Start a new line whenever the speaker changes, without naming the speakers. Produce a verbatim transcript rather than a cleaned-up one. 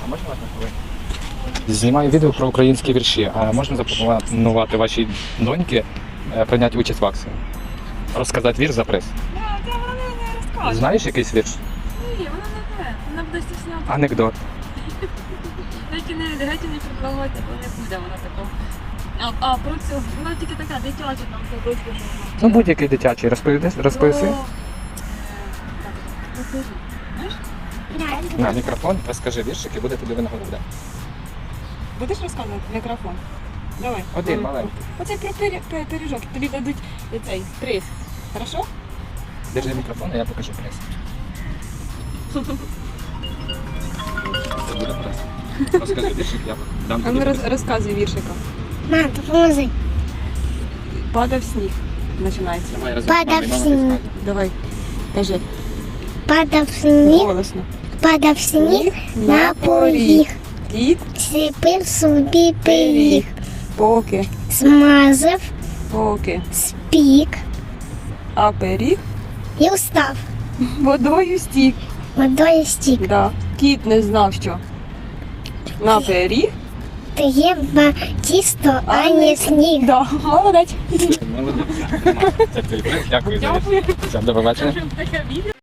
можна вас на хвилину? Знімаю відео про українські вірші. А можна запропонувати вашій доньці е, прийняти участь в акції? Розказати вірш за приз.
Ну, це вона не розкаже.
Знаєш якийсь вірш?
Ні, вона не те. Вона буде стісняти.
Анекдот.
Геть не, геть не предлагайте, бо не буде вона такого. А, а про цю, вона тільки така дитяча, там табличка, що вона.
Ну будь-який дитячий, розповіди, розповіси.
Про, е, так, розкажи. Знаєш?
На мікрофон, розкажи віршик і буде тобі винагорода.
Будеш розказувати в мікрофон? Давай.
Один маленький.
Оцей про пирі- пи- пиріжок, тобі дадуть цей приз. Хорошо?
Держи мікрофон, а я покажу приз. Це буде приз. Розкажи віршик, я дам
А
тобі
ми
приз.
роз, розказуй віршика.
Мам, допоможи.
Падав сніг. Починається.
Давай разом.
Падав
Мама і мама
сніг.
розкаже.
Давай. Кажи.
Падав сніг,
Голосно.
падав сніг на поріг.
Кіт,
Сліпив собі пиріг.
поки,
Смазав,
поки,
спік
а пиріг
і встав.
водою стік.
Водою стік.
Да. Кіт не знав, що на пиріг.
Треба тісто, а не сніг.
Да. Молодець.
Молодець. Це твій приз. Дякую за
Дякую.
Все, до побачення.
Таке відео.